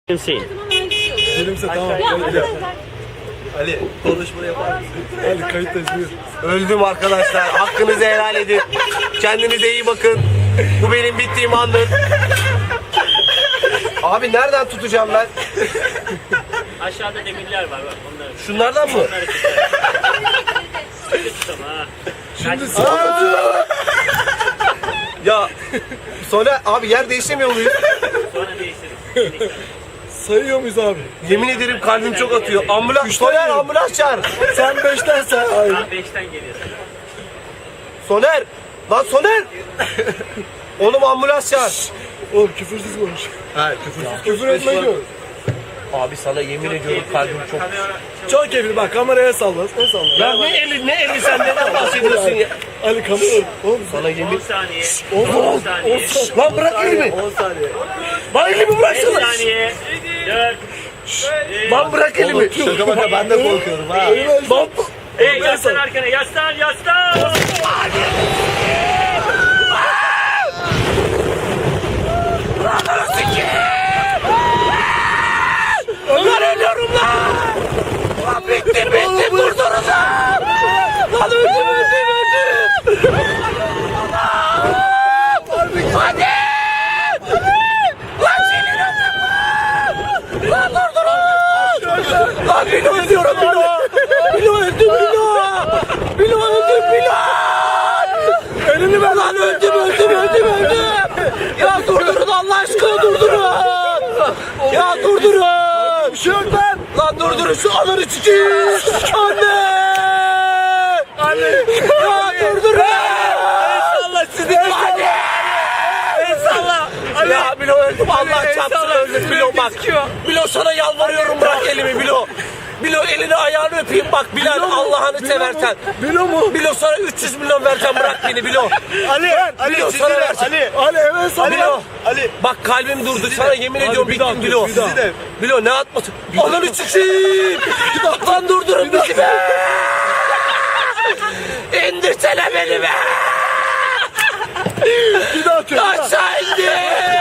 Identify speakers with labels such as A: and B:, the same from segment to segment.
A: Hüseyin.
B: Benimse tamam.
C: Ali konuşma yapar mısın?
B: Ali kayıttayız buyur.
C: Öldüm arkadaşlar. Hakkınızı helal edin. Kendinize iyi bakın. Bu benim bittiğim andır. Abi nereden tutacağım ben?
A: Aşağıda demirler var bak onları.
C: Şunlardan mı?
A: Onları tutalım ha.
B: Şimdi
C: Ya sonra abi yer değişemiyor muyuz?
A: Sonra değiştiririz.
B: sayıyor muyuz abi?
C: Yemin ederim kalbim çok atıyor. Ambulans, Soner ambulans çağır.
B: Sen 5'ten say. Hayır.
A: Tam 5'ten geliyorsun.
C: Soner. Lan Soner. Oğlum ambulans çağır.
B: Oğlum küfürsüz konuş.
C: Ha küfürsüz.
B: Küfür etme diyor.
C: Abi sana yemin ediyorum kalbim çok...
B: Çok keyifli bak kameraya salla. Ne salla?
C: Ya ne eli sen neden bahsediyorsun ya?
B: Ali kamera. Oğlum
C: Sana
A: 10
C: yemin...
A: saniye.
B: 10
A: saniye.
C: Lan bırak elimi.
B: 10 saniye.
C: Lan elimi
A: 5
C: bıraksana.
A: saniye. 4.
C: Lan bırak elimi.
B: Şaka baka ben de korkuyorum ha.
C: Lan
A: Hey yaslan arkana yaslan yaslan.
C: Lan ölüyorum lan. Lan bittim durdurun lan. Lan öldüm. Hadi. Lan senin öldüm lan. Lan durdurun. Lan Bilo ölüyorum Bilo. Bilo öldüm Bilo öldüm. Elini ver lan öldüm. Ya durdurun Allah aşkına durdurun. Ya durdurun. Bir şey yok lan. Lan durdurun şu ananı çıkayım. Anne. Ya durdurun. Allah sizi. Anne. Ya Bilo öldüm Allah çarpsın öldüm Bilo bak. Bilo sana yalvarıyorum bırak elimi Bilo. Bilo elini ayağını öpeyim bak Bilal Allah'ını seversen.
B: Bilo mu?
C: Bilo sana 300 milyon vereceğim bırak beni Bilo.
B: Ali
C: Bilo sana vereceğim.
B: Ali hemen salla.
C: Bilo. Bak kalbim durdu sana yemin ediyorum
B: bir daha
C: bittim Bilo.
B: bir daha.
C: Bilo ne atmasın? Ananı çıkayım. Lan durdurun bizi be. İndirsene beni be.
B: Bir daha atıyor.
C: Aşağı indir.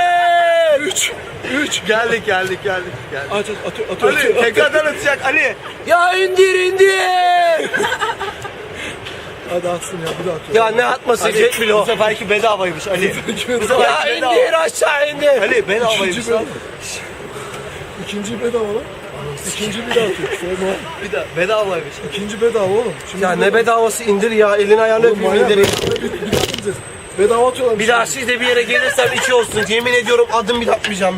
B: 3.
D: Geldik.
B: Aç atıyor.
D: Ali tekrardan atacak Ali.
C: Ya indir.
B: Hadi atsın ya bir daha atıyor.
C: Ya ne atması Jet Bilo?
D: Bu seferki bedavaymış Ali.
C: Ya indir aşağı indir.
D: Ali bedavaymış lan.
B: İkinci bedava lan. İkinci bir daha atıyor. Sorma.
D: Bir daha bedavaymış.
B: İkinci bedava oğlum. Şimdi
C: Ya ne bedavası indir ya elini ayağını
B: Oğlum
C: öpeyim
B: manyak.
C: indireyim.
B: Bir daha ineceğiz. Bedava atıyorlar.
C: Bir daha siz de bir yere gelirsem içi olsun. Yemin ediyorum adım bile atmayacağım.